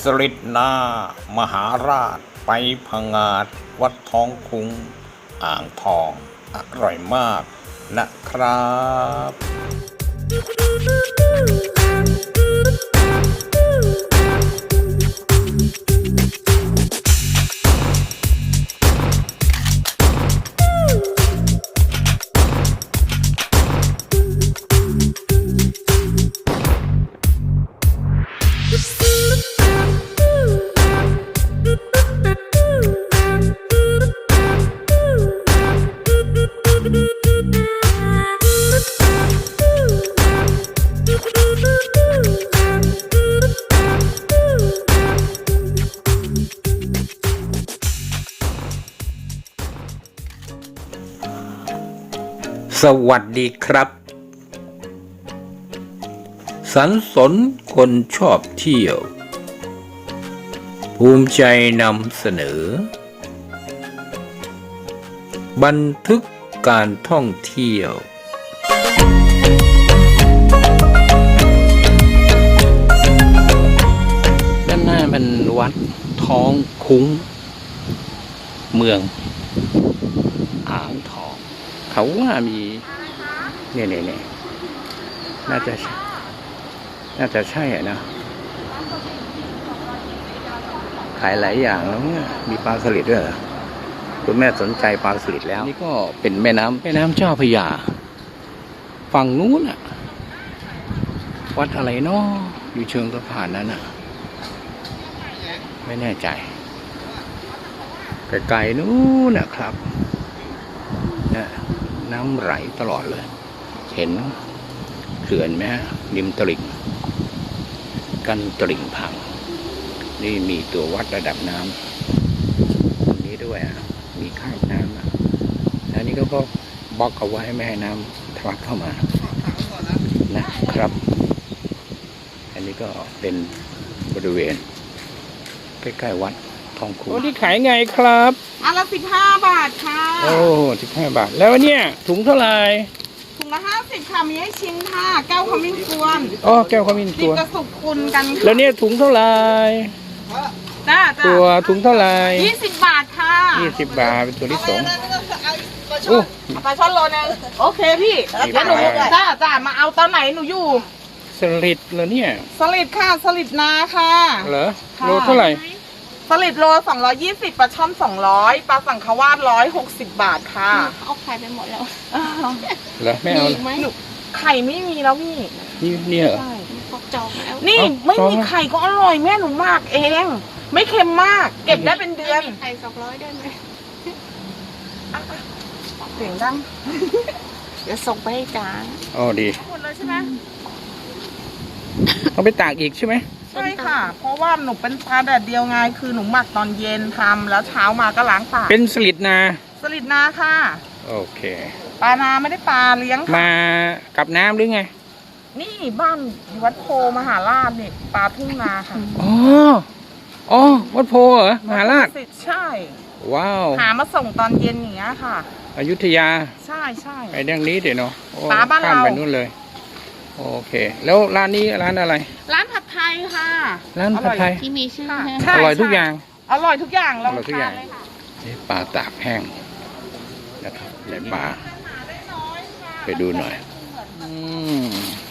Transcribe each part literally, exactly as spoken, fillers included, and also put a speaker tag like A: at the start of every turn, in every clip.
A: สฤษณามหาราชไปพงาดวัดท้องคุ้งอ่างทองอร่อยมากนะครับ สวัสดีครับสันสนคนชอบเที่ยวภูมิใจนำเสนอบันทึกการท่องเที่ยวด้านหน้ามันวัดท้องคุ้งเมืองอ่างทองเขาว่ามีเนี่ยเนี่ยเนี่ยน่าจะน่าจะใช่อ่ะนะขายหลายอย่างแล้วเนี่ยมีปลาสลิดด้วยเหรอคุณแม่สนใจปลาสลิดแล้วนี่ก็เป็นแม่น้ำแม่น้ำเจ้าพระยาฝั่งนู้นอ่ะวัดอะไรเนาะอยู่เชิงสะพานนั้นอ่ะไม่แน่ใจไกลๆนู้นนะครับเนี่ยน้ำไหลตลอดเลยเห็นเขื่อนไหมฮะริมตลิ่งกันตลิ่งพังนี่มีตัววัดระดับน้ำตรงนี้ด้วยอ่ะมีข้างน้ำอ่ะอันนี้ก็บล็อกเอาไว้ไม่ให้น้ำทะลักเข้ามานะครับอันนี้ก็เป็นบริเวณใกล้ๆวัดทองคุ้งโอ้ที่ขายไงครับ
B: อันละสิบห้าบาทค่ะ
A: โอ้สิบห้าบาทแล้วเนี่ยถุงเท่าไหร่
B: ถุงละห้าสิบค่ะมีให้ชิมค่ะแก้วขมิ้นกวน
A: อ๋อแก้วขมิ้นกวน
B: กระสุกคุณกัน
A: แล้วเนี่ยถุงเท่าไหร่
B: จ้า
A: ตัวถุงเท่าไหร่
B: ยี่สิบบาทค่ะ
A: ยี่สิบบาทเป็นตัวที่สอง
B: โอ้ปลาช่อนโลนึงโอเคพี่แล้วหนูจ้าจ้ามาเอาตอนไหนหนูอยู่
A: สลิดเหรอเนี่ย
B: สลิดค่ะสลิดนาค่ะ
A: เหรอโลเท่าไหร่
B: สลิดโลสองร้อยยี่สิบปลาช่อนสองร้อยปลาสังขวาดร้อยหกสิบบาทค่ะ
C: เอาไข่ไปหมดแล้ว
A: เหรอไม่เอา
B: ไหมไข่ไม่มีแล้วพี่
A: นี่เนี่ยเหรอ
C: พกจองแล้ว
B: นี่ไม่มีไข่ก็อร่อยแม่หนูมากเองไม่เค็มมากเก็บได้เป็นเดือน
C: ไข่สองร้อยได้ไหม
B: เสียงดัง
C: เดี๋ยวส่งไปให้จาน
A: อ๋อดี
B: หมดเลยใช่ไหม
A: ต้องไปตากอีกใช่ไหม
B: ใช่ค่ะเพราะว่าหนูเป็นปลาแดดเดียวไงคือหนูหมักตอนเย็นทำแล้วเช้ามาก็ล้างปาก
A: เป็นสลิดนา
B: สลิดนาค่ะ
A: โอเค
B: ปลานาไม่ได้ปลาเลี้ยง
A: มากับน้ำหรือไง
B: นี่บ้านวัดโพมหาราชนี่ปลาทุ่งนาค่ะ
A: อ๋ออ๋อวัดโพเหรอมหาราช
B: ใช่
A: ว้าว
B: หามาส่งตอนเย็นอย่างเงี้ยค่ะ
A: อยุธยา
B: ใช่ใช่
A: ไอ้เรื่องนี้เดี๋ยวเนาะ
B: ปลาบ้านเรา
A: ไปนู่นเลยโอเคแล้วร้านนี้ร้านอะไร
B: ร้านผัดไทยค่ะ
A: ร้านผัดไทย
C: ที่มีชื่อ
A: อร่อยทุกอย่าง
B: อร่อยทุกอย่าง
A: อร่อยทุกอย่างนี่ปลาตากแห้งนะครับไหนปลาไปดูหน่อยอืม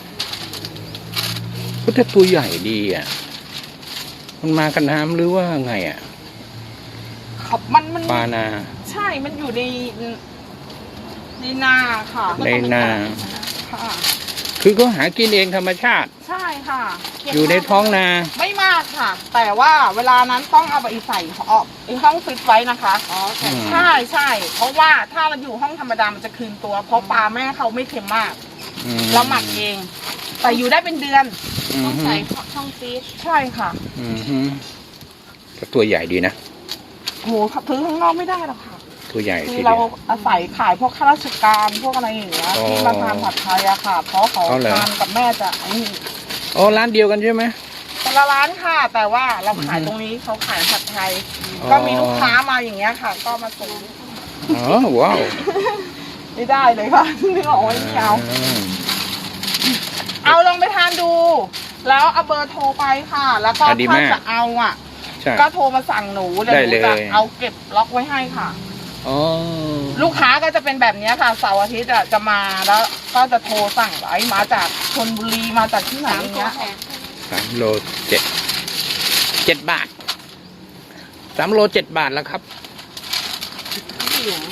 A: ก็แต่ตัวใหญ่ดีอ่ะมันมากันน้ำหรือว่าไงอ่ะ
B: มันมัน
A: ปลานา
B: ใช่มันอยู่ในในนาค่ะ
A: ในนา
B: ค่ะ
A: คือเขาหากินเองธรรมชาติ
B: ใช่ค่ะ
A: อยู่ในท้องนา
B: ไม่มากค่ะแต่ว่าเวลานั้นต้องเอาไปใส่ไอ้ห้องฟิตไว้นะคะอ๋อใช่ใช่เพราะว่าถ้าเราอยู่ห้องธรรมดามันจะคืนตัวเพราะปลาแม่เขาไม่เค็มมากเราหมักเองแต่อยู่ได้เป็นเดือน
C: ต้องใส่ช่องฟีด
B: ใช่ค่ะ
A: อือฮึแต่ตัวใหญ่ดีนะ
B: โหซื้อข้างนอกไม่ได้หรอกค่ะ
A: ตัวใหญ่
B: คือเราอาศัยขายพวกข้าราชการพวกอะไรอย่างเงี้ยที่มาทานผัดไทยอะค่ะเพราะเขาทานกับแม่จะไอ้
A: อ๋อร้านเดียวกันใช่ไหม
B: แต่ละร้านค่ะแต่ว่าเราขายตรงนี้เขาขายผัดไทยก็มีลูกค้ามาอย่างเงี้ยค่ะก็มาส่ง
A: อ๋อว้าว
B: ไม่ได้เลยค่ะนึกออกว่าไม่เอาเอาลองไปทานดูแล้วเอาเบอร์โทรไปค่ะ แล้วก็
A: อ่ะดี
B: ถ้าม
A: าก
B: จะเอาอ่ะ
A: ใช่
B: ก็โทรมาสั่งหนูเดี๋ยว
A: ได้
B: หนู
A: เลย
B: จะเอาเก็บล็อกไว้ให้ค่ะ
A: อ๋อ
B: ลูกค้าก็จะเป็นแบบนี้ค่ะเสาร์อาทิตย์อะจะมาแล้วก็จะโทรสั่งไว้มาจากชลบุรีมาจากที่ไหน
C: สาม
B: อย่าง
C: ตัว
B: เงี้ย
C: แถม
A: สามโลเจ็ดเจ็ดบาทสามโลเจ็ดบาทแล้วครับ
C: เหลือง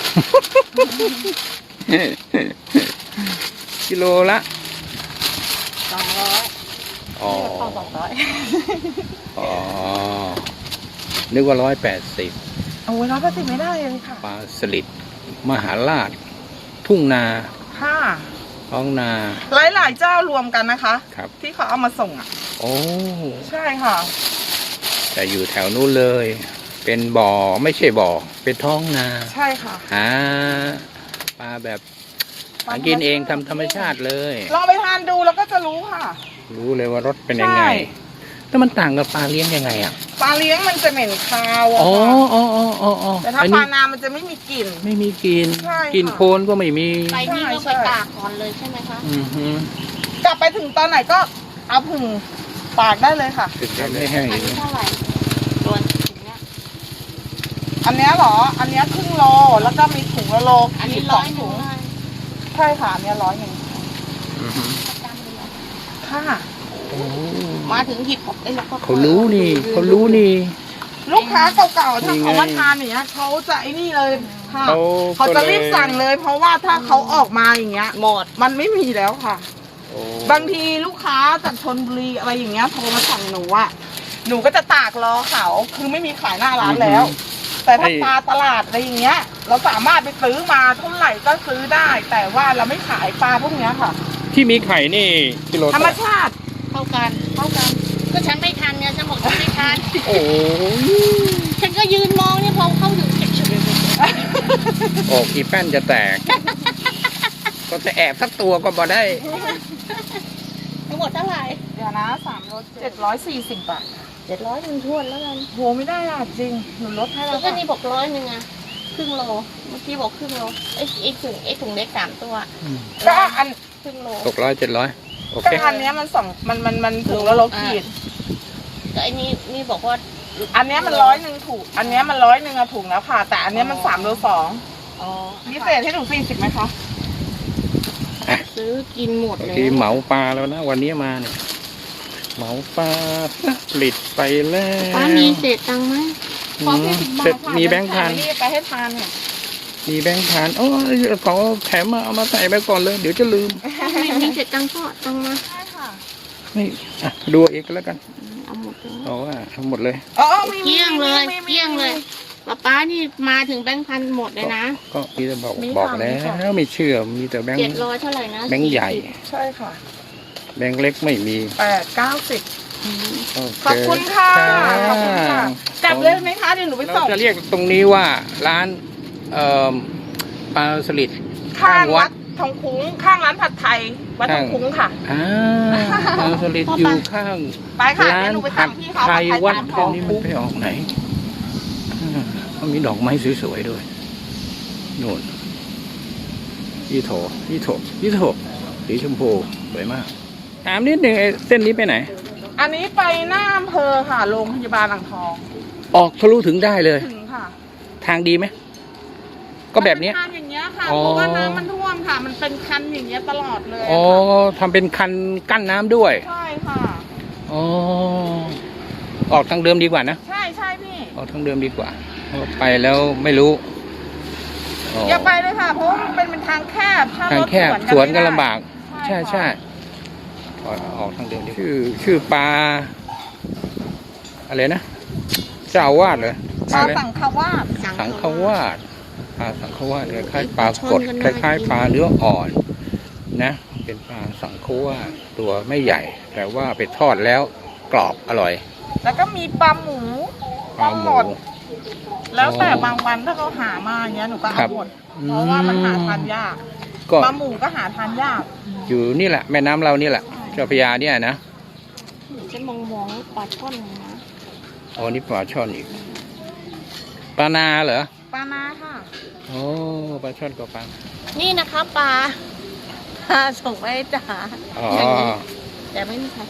A: กิโลละ
C: สองร้อย
A: อ๋อ
C: พอสองร้อย
A: อ๋อ นึกว่าร้อยแปดสิบ
B: โอ้ยร้อยแปดสิบไม่ได้เลยค่ะ
A: ปลาสลิดมหาราช ทุ่งนา
B: ค่ะ
A: ท้องนา
B: หลายหลายๆเจ้ารวมกันนะคะ
A: ครับ
B: ที่เขาเอามาส่งอ่ะ
A: โอ้
B: ใช่ค่ะ
A: แต่อยู่แถวนู้นเลย เป็นบ่อไม่ใช่บ่อ เป็นท้องนา
B: ใช่ค่ะ
A: หาปลาแบบหากินเองทำธรรมชาติเลย
B: ลองไปทานดูแล้วก็จะรู้ค่ะ
A: รู้เลยว่ารสเป็นยังไง
B: ใช่
A: แล้วมันต่างกับปลาเลี้ยงยังไงอ่ะ
B: ปลาเลี้ยงมันจะเหม็นคาวอะ
A: อ๋อ
B: ค่ะ
A: อ๋ออ๋ออ๋ออ๋อ
B: แต่ถ้า
A: อัน
B: ป
A: นี้
B: ลานามันจะไม่มีกลิ่น
A: ไม่มีกลิน
B: ใช่ค่ะ
A: กลินโคลนก็ไม่มี
C: ไปนี่ก็
B: ใช่
C: ไป
B: ใช่
C: ตากก่อนเลยใช่ไหมคะ
A: อือฮึ
B: กลับไปถึงตอนไหนก็เอาผึ่งปากได้เลยค่ะ
A: ถึงจะไม่แห้ง
C: อั
A: อี
C: น
A: ก
C: นี้เท่าไหร่ตัวถุงเนี้ย
B: อันเนี้ยเหรอ อันเนี้ยครึ่งโลแล้วก็มีถุงละโล
C: อันนี้
B: ส
C: ร้
B: อ
C: อง ยห
B: ถุ
C: นึ่ง
B: ง
C: ได้
B: ใช่ค่ะอันเนี้ยร้อยหนึ่ง
A: อือฮึ
C: ประจำเลยเหรอ
B: ค่ะ
A: โอ้
C: มาถึงหยิบออกได้แล้วก็
A: เขารู้นี่เขารู้นี่
B: ลูกค้าเก่าๆถ้า
A: นี่ไง
B: เขามาทานอย่างเงี้ยเขาจะไอ้นี่เลยค่ะ
A: เขา
B: เขาจะรีบ
A: ก็เลย
B: สั่งเลย เพราะว่าถ้าเขาออกมาอย่างเงี้ย
C: หมด
B: มันไม่มีแล้วค่ะ
A: โอ้
B: บางทีลูกค้าจากชนบุรีอะไรอย่างเงี้ยโทรมาสั่งหนูอะหนูก็จะตากรอเขาคือไม่มีขายหน้าร้านแล้ว แต่ถ้าปลาตลาดอะไรอย่างเงี้ย เราสามารถไปซื้อมาเท่าไหร่ก็ซื้อได้ แต่ว่าเราไม่ขายปลาพวกเนี้ยค่ะ
A: ที่มีไข่นี่กิโล
B: ธร
A: เท่าร
B: ม
A: ไหร่
B: ชาติ
C: เท่ากันเท่ากันก็ฉันไม่ทันเนี่ยฉันบอกฉันไม่ทัน
A: โอ้ย
C: ฉันก็ยืนมองเนี่ยพอเข้าถึงเฉย
A: โอ้อีแป้นจะแตก ก็จะแอบสักตัวก็บ่ได้
C: ๆทั้งหมดเท่าไหร่
B: เดี๋ยวนะสามรถเจ็ดร้อยสี่สิบบาท
C: เจ็ดร้อยหนึ่งทวนแล้วกัน
B: โหไม่ได้อะจริงหนูลดให้แล้
C: แล้ว วก็
B: ค่ะ
C: นี่บอกร้อยหนึ่งอะครึ่งโลเมื่อกี้บอกครึ่งโลไอ้ไอ้ถุงไอ้ถุงเล็กสามตัว
B: ก็อัน
C: ครึ่งโล
A: ตกร้อยเจ็ดร้อยโอเค
B: ก็อันเนี้ยมันสองมันมันมันถุงละโลขีด
C: ก็ไอ้นี่นี่บอกว่า
B: อันเนี้ยมันร้อยหนึ่งถูก อันเนี้ยมันร้อยหนึ่งอะถุงแล้วค่ะ แต่อันเนี้ยมันสามโลสอง
C: อ๋อ
B: พิเศษให้หนูสี่สิบไหมคะ
C: ซื้อกินหมด
A: บาง
C: เลย
A: ทีเหมาปลาแล้วนะวันนี้มาเนี่ยเหมาปลาผลิตไปแล้ว
C: ป้ามีเศษตังค์ไหม
A: อื
B: ขอ
A: ม
B: สี่สิบบา
A: เสร็
B: ท
A: จ
B: ค่ะ
A: มีแบงค์พัน
B: เดี๋ยวไปให้ทานเนี่ย
A: มีแบงค์พันโอ้ยของแถมมาเอามาใส่ไปก่อนเลย เดี๋ยวจะลืม
C: มีมีเศษตังค์ก็ตังค์มา
B: ใช่ค่ะ
A: นี่อ่ะดูเองก็แล้วกัน
C: เอาหมดเลย
A: เอาว่าทั้งหมดเลย
B: อ๋อมี
C: เกลี้ยงเลย
B: มีมีมี
C: เกลี้ยงเลยป้าป้านี่มาถึงแบงค์พันหมดเลยนะ
A: ก็มีแต่บอก
B: มี
A: บอก
B: ค่ะ
A: แล้
B: มีค่ะ
A: วไม่เชื่อมีแต่แบงค์
C: เจ็ดร้อยเท่าไหร่นะ
A: แบงค์ใหญ่
B: ใช่ค่ะ
A: แบงค์เล็กไม่มี
B: แปดเก้าสิบ
C: อืม
A: โเ
B: ขอบคุณค่ะขอบคุณค่ะกลับเลยไหมคะเดี๋ยวหนูไป
A: เรา
B: ส่ง
A: จะเรียกตรงนี้ว่าร้านเอ่อปลาสลิด
B: ข้างวัดทองคุ้งข้างร้านผัดไทยวัดทองคุ้งค่ะ
A: อ่าปลาสลิดอยู่ข้าง
B: ไปค่ะ
A: ร้า
B: เดี๋ย
A: น
B: วหนูไป
A: ผั
B: สั่
A: ด
B: งพี่เขา
A: ไทย
B: ผัด
A: วัด
B: ตาม
A: แค่
B: ของ
A: นี้มันไปออกไหนอ่าเขามีดอกไม้สวยๆด้วยนู่นยี่โถยี่โถยี่โถสีชมพูสวยมากถามนิดหนึ่งไอ้เส้นนี้ไปไหน
B: อันนี้ไปหน้าอำเภอค่ะโรงพยาบาลอ่างทอง
A: ออกทะลุถึงได้เลย
B: ถึงค่ะ
A: ทางดีไหมก็แบบเนี้ย
B: มันเป็นทางอย่างเงี้ยค่ะ
A: อ๋อ
B: เพราะว่าน้ำมันท่วมค่ะ มันเป็นคันอย่างเงี้ยตลอดเลย
A: อ๋อ
B: ค่ะ
A: ทำเป็นคันกั้นน้ำด้วย
B: ใช่ค่ะ
A: อ๋อออกทางเดิมดีกว่านะ
B: ใช่ใช่พี่
A: ออกทางเดิมดีกว่าเพราะไปแล้วไม่รู้อ๋อ
B: อย่าไปเลยค่ะ เพราะว่ามันเป็นเป็นทางแคบถ้
A: ทาง
B: รถ
A: แคบสวนกันลำบาก
B: ใช่
A: ใช่
B: ค่ะ
A: ใช่ออกออกทางเดิมดีชื่อ ชื่อปลาอะไรนะเจ้าอาวาดเหรอ
B: ปลา
A: อะไร
B: สังขวาส
A: สังขวาดปลาสังขวาดคล้ายๆปลากดคล้ายๆปลาเนื้ออ่อน นะ เป็นปลาสังขวาดตัวไม่ใหญ่ แต่ว่าไปทอดแล้วกรอบอร่อย
B: แล้วก็มีปลาหมู
A: ปลาหมู
B: ดแล้วแต่บางวันถ้าเขาหามาอย่างเงี้ยหนูก็
A: ครั
B: เอา
A: บ
B: หมดเพราะว่ามันหาทานยาก
A: ก็
B: ปลาหมูก็หาทานยาก
A: อยู่นี่แหละแม่น้ำเรานี่แหละเจ้าพระยาเนี่ยนะ
C: ฉันมองมองปลาช่อนนะ
A: อ๋อนี่ปลาช่อนอีกปลานาเหรอ
B: ปลานาค่ะ
A: โอ้ปลาช่อนกับปลา
C: นี่นะคะปลาปลาส่งไปให้จ๋า
A: อ๋อ
C: อย่างนี้แต่ไม่มีใคร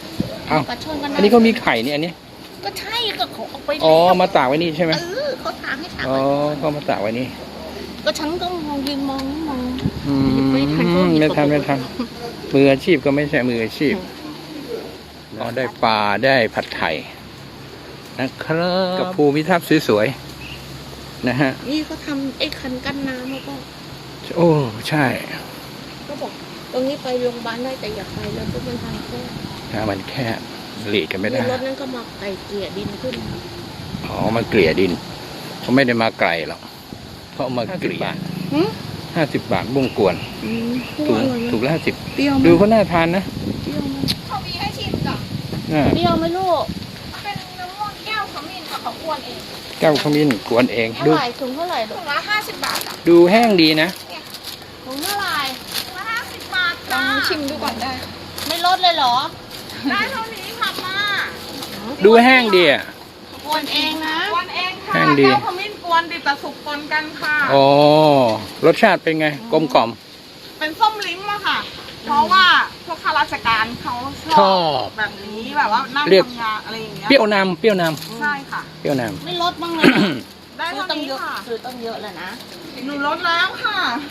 A: อ้าว
C: ปลาช่อนก็
A: อันนี้ก็มีไข่เนี่ยอันนี้
C: ก็ใช่ก็เขาเอาไป
A: อ๋อ
C: แล้ว
A: มาตากไว้นี่ใช่ไหม
C: เออเขาถามให้ถาม
A: อ๋อเขามาตากไว้นี่
C: ก็ฉันก็มองยืนมองมอง
A: อืม
C: ไม่ทัน
A: ไม่ทันไม่ทันมืออาชีพก็ไม่ใช่มืออาชีพอ๋อได้ปลาได้ผัดไทยนะครับกับภูมิทัศน์สวยๆนะฮะ
C: นี่เขาทำไอ้คันกั้นน้ำแล้วก็
A: โอ้ใช่
C: ก็บอกตรงนี้ไปโรงพยาบาลได้แต่อย่าไปแล้วก็มันทางแค่
A: ถ้ามันแคบหลีกกันไม่ได้
C: รถนั้นก็มาไก่เกลี่ยดินขึ้น
A: อ๋อมาเกลี่ยดินเขาไม่ได้มาไกลหรอกเขาเอามาเกลี่ย
C: หืม
A: ห้าสิบบาทบุ้งกวน
C: อืม
A: ถูก
C: อร่อยไหม
A: ถูกละห้าสิบ
C: เปรี้ยวไหม
A: ดูเขาน่าทานนะ
C: เปรี้ยวไหม
B: เขามีให้ชิมกับ
A: อ่า
C: เปรี้ยวไหมลูก
B: เป็นน้ำม่วงแก้วขมิ้นกับของอ้วนเอง
A: แก้วขมิ้นกวนเอง
C: เท่า
A: ดู
C: ไหร่ถุงเท่าไหร่ลู
B: ถุ
C: ก
B: งละห้าสิบบาทอ่ะ
A: ดูแห้งดีนะ
C: ถุงเท่าไหร่
B: ถุงละห้าสิบบาท
C: ลอ
B: จ้าง
C: ชิมดูก่อนได้ ไม่ลดเลยเหรอ
B: ได้เท่านี้ค่ะมา
A: ดูแห้งดีอ่ะ
C: กวนเองนะ
B: กวนเองค่ะ
A: แห้งดี
B: แก้วขมิ้นกวนดิบแต่สุกปนกันค่ะ
A: อ๋อรสชาติเป็นไงกลมกล่อม
B: เป็นส้มลิ้มอะค่ะ เพราะว่าพวกข้าราชการเขาช
A: ช
B: อ
A: อ
B: บบ แบบนี้แบบว่านั่ง
A: เรียก
B: ทำงานอะไรอย่างเงี้ย
A: เปรี้ยวนำเปรี้ยวน
B: ใช่ค่ะ
A: ำเปรี้ยวน
C: ไม่ลดบ้างเลยเหรอ
B: ได้
C: ซื้อ
B: เท่า
C: ต้อง
B: นี้
C: เยอะ
B: ค่ะ
C: ซื้อต้องเยอะแล้วนะ
B: หนูลดแล้วค่ะ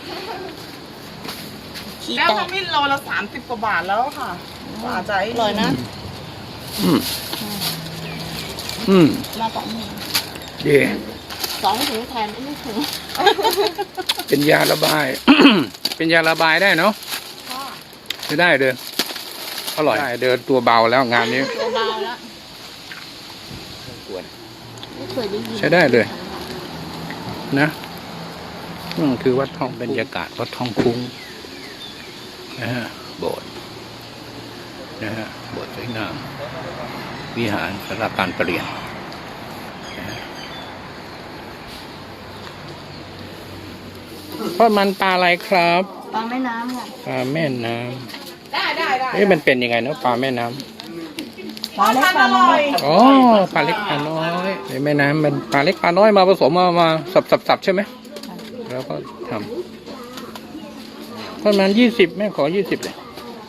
C: ขี้
B: แก้ว
C: แต
B: ข
C: ก
B: มิ้นโลละสามสิบกว่าบาทแล้วค่ะกว่าจะ
C: อร่อยนะ
A: ำอืมอืม
C: มาสองถุง
A: ดี
C: สองถุงแทนไม่ถึง
A: เป็นยาระบาย เป็นยาระบายได้เนาะ
B: ค่ะ
A: จะได้เดินอร่อยได้เดินตัวเบาแล้วงานนี้
C: ตัวเบาแล้ว
A: กวน
C: ไม่เคยได้ยิน
A: ใช้ได้เลย นะอืมคือวัดทองบรรยากาศวัดทองคุ้งนะฮะโบสถ์นะฮะโบสถ์สวยงามวิหารสาราการประเรียนนะฮะทอดมันปลาอะไรครับ
C: ปลาแม่น้ำค่ะ
A: ปลาแม่น้
B: ได้ได้ได้
A: ำเอ๊ะมันเป็นยังไงเนาะปลาแม่น้ำ
B: ปลาเล็กปลาน้อย
A: อ๋อปลาเล็กปลาน้อยในแม่น้ำมันปลาเล็กปลาน้อยมาผสมมามาสับสับสับใช่ไหมแล้วก็ทำทอดมันยี่สิบแม่ขอยี่สิบเลย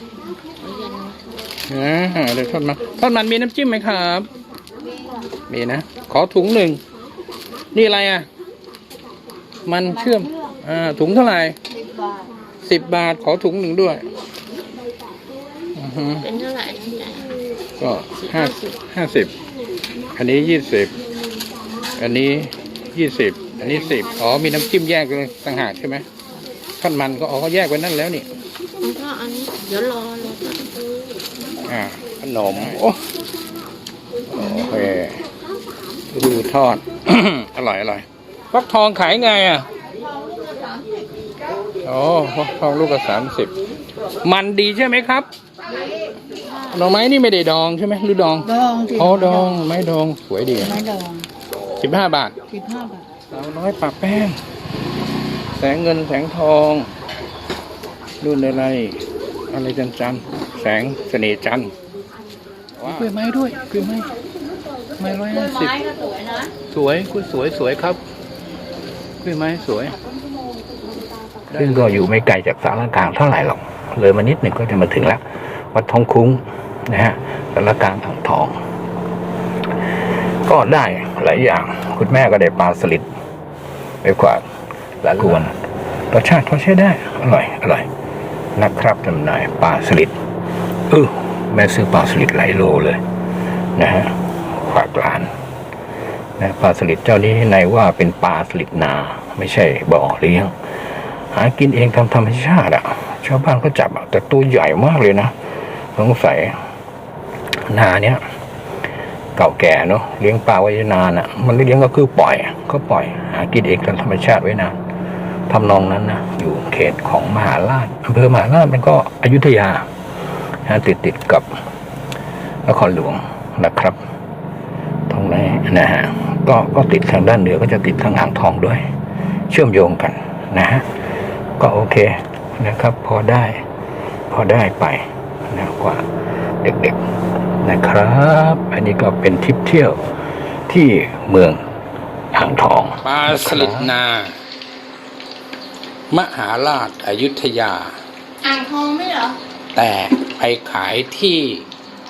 A: อ่าเดี๋ยวทอดมันทอดมันมีน้ำจิ้มไหมครับ มีนะ ขอถุงหนึ่ง นี่อะไรอ่ะ มันเชื่อม อ่า ถุงเท่าไหร่
C: สิบบาท
A: สิบบาท ขอถุงหนึ่งด้วยอือฮึ
C: เป็นเท่าไหร่น้ำใจ
A: ก็ห้าห้าสิบ อันนี้ยี่สิบ อันนี้ยี่สิบ อันนี้สิบ อ๋อ มีน้ำจิ้มแยกเลยต่างหากใช่ไหมทอดมันก็อ๋อเขาแยกไว้นั่นแล้วนี่
C: แล้วก็อันนี้เดี๋ยวรอรอก่อน
A: อ่า ขนม โอ้โอเคดูทอด อร่อยอร่อยฟักทองขายไงอ่ะโอ้ฟักทองลูกละสามสิบ มันดีใช่ไหมครับดอกไม้นี่ไม่ได้ดองใช่ไหมหรือดอง
C: ดองสิ
A: อ๋อดองไม้ดองสวยดี
C: ไม่ดอง
A: สิบห้าบาท
C: สิบห้าบาท
A: สาวน้อยปากแป้ง แสงเงินแสงทอง รุ่นอะไร อะไรจันจันทร์แสงเสน่ห์จันทร์ว้าวกล้วยไม้ด้วยกล้วยไม้ไม้ร้อยห้าสิบ
C: ไม้ก็สวยนะ
A: สวยกล้วยสวยสวยครับกล้วยไม้สวยซึ่งก็อยู่ไม่ไกลจากสารกลางเท่าไหร่หรอก เลยมานิดหนึ่งก็จะมาถึงแล้ว วัดทองคุ้งนะฮะสารกลางอ่างทอง ก็ได้หลายอย่าง คุณแม่ก็ได้ปลาสลิดไปกว่าหลายกวนรสชาติเขาใช้ได้ อร่อย อร่อย นะครับจำหน่ายปลาสลิดเออแม่ซื้อปลาสลิดหลายโลเลยนะฮะฝากร้านนะปลาสลิดเจ้านี้ในว่าเป็นปลาสลิดนา ไม่ใช่บ่อเลี้ยง หากินเองทำธรรมชาติอ่ะชาวบ้านก็จับอ่ะแต่ตัวใหญ่มากเลยนะสงสัยนาเนี้ยเก่าแก่เนาะเลี้ยงปลาไว้นานอ่ะ มันไม่เลี้ยงก็คือปล่อยก็ปล่อย หากินเองตามธรรมชาติไว้นานทำนองนั้นนะอยู่เขตของมหาราชอำเภอมหาราชมันก็อยุธยาติดติดกับนครหลวงนะครับตรงนี้นะฮะก็ก็ติดทางด้านเหนือก็จะติดทางอ่างทองด้วย เชื่อมโยงกันนะฮะก็โอเคนะครับ พอได้ พอได้ไปนะกว่าเด็กๆนะครับ อันนี้ก็เป็นทริปเที่ยวที่เมืองอ่างทองปลาสลิดนามหาราชอยุธยา
C: อ่างทองไม่เหรอ
A: แต่ไปขายที่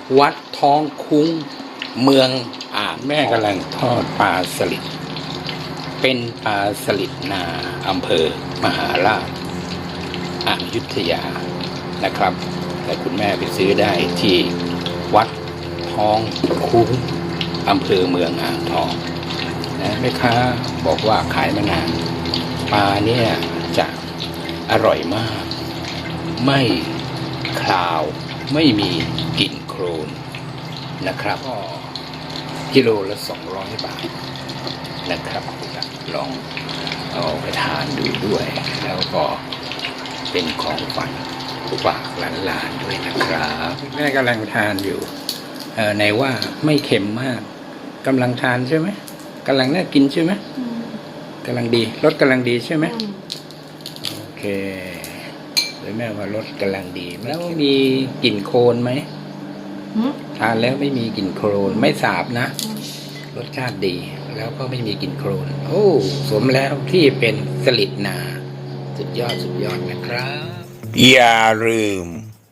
A: วัดท้องคุ้งเมืองอ่างแม่กำลังทอดปลาสลิดเป็นปลาสลิดนาอำเภอมหาราชอยุธยานะครับแต่คุณแม่ไปซื้อได้ที่วัดท้องคุ้งอำเภอเมืองอ่างทองนะแม่ค้าบอกว่าขายมานานปลาเนี่ยจะอร่อยมากไม่คลาวไม่มีกลิ่นโคลนนะครับก็กิโลละสองร้อยบาทนะครับลองเอาไปทานดูด้วย แล้วก็เป็นของฝันฝากหลานๆด้วยนะครับแม่กำลังทานอยู่เออในว่าไม่เค็มมากกำลังทานใช่ไหมกำลังน่ากินใช่ไหมกำลังดีรสกำลังดีใช่ไหมโอเคหรือแม่ว่ารสกำลังดีแล้วมีกลิ่นโคลนไหมทานแล้วไม่มีกลิ่นโคลนไม่สาบนะรสชาติดีแล้วก็ไม่มีกลิ่นโคลนโอ้สมแล้วที่เป็นสลิดนาสุดยอดสุดยอดนะครับอย่าลืม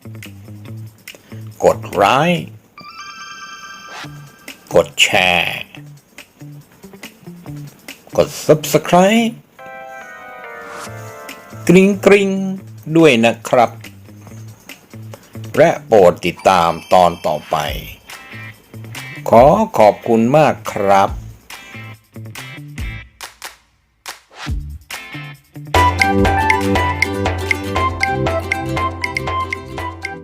A: กดไลค์กดแชร์กด ซับสไครบ์ กริ๊งกริ๊งด้วยนะครับและโปรดติดตามตอนต่อไปขอขอบคุณมากครับ